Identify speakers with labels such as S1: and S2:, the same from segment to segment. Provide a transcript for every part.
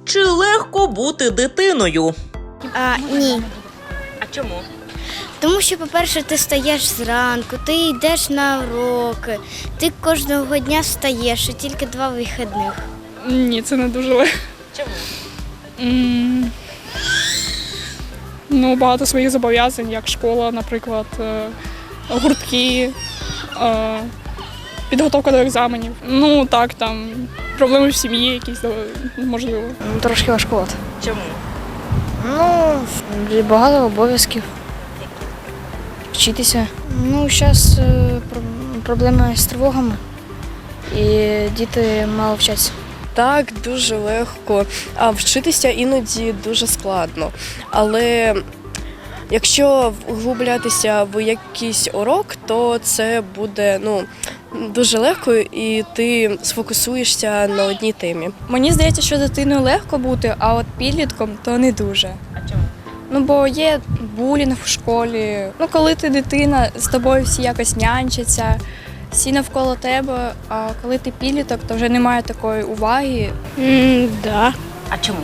S1: Чи легко бути дитиною?
S2: Ні.
S1: А чому?
S2: Тому що, по-перше, ти стаєш зранку, ти йдеш на уроки, ти кожного дня встаєш, і тільки 2 вихідних.
S3: Ні, це не дуже легко.
S1: Чому?
S3: Ну, багато своїх зобов'язань, як школа, наприклад, гуртки, підготовка до екзаменів. Ну, так, там, проблеми в сім'ї якісь, можливо.
S4: Трошки важкувато.
S1: Чому?
S4: Ну, багато обов'язків. Вчитися. Ну, зараз проблеми з тривогами, і діти мало вчаться.
S5: Так, дуже легко, а вчитися іноді дуже складно. Але якщо вглублятися в якийсь урок, то це буде дуже легко і ти сфокусуєшся на одній темі.
S6: Мені здається, що дитиною легко бути, а от підлітком то не дуже.
S1: А чому?
S6: Ну, бо є булінг в школі. Ну, коли ти дитина, з тобою всі якось нянчаться, всі навколо тебе, а коли ти підліток, то вже немає такої уваги.
S7: Да.
S1: А чому?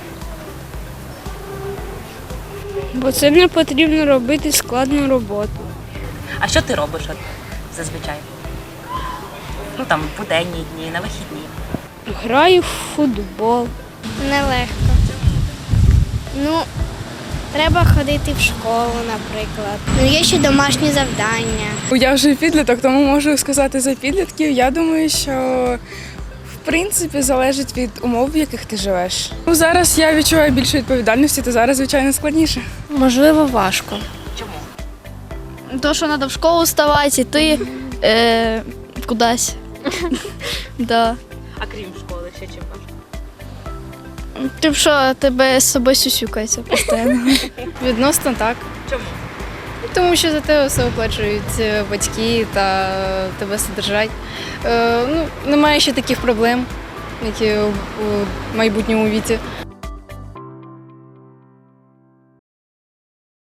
S7: Бо це не потрібно робити складну роботу.
S1: А що ти робиш зазвичай? Ну там в буденні дні, на вихідні.
S7: Граю в футбол.
S2: Нелегко. Ну, треба ходити в школу, наприклад. Ну, є ще домашні завдання.
S3: Я вже підліток, тому можу сказати за підлітків. Я думаю, що в принципі залежить від умов, в яких ти живеш. Ну, зараз я відчуваю більше відповідальності, то зараз, звичайно, складніше.
S4: Можливо, важко.
S1: Чому?
S6: То, що треба в школу вставати, йти кудись. Да.
S1: А крім школи, ще чим важко?
S6: Тим, що тебе з собою сюсюкається постійно.
S4: Відносно так.
S1: Чому?
S4: Тому що за тебе все оплачують батьки та тебе содержать. Немає ще таких проблем, які у майбутньому віці.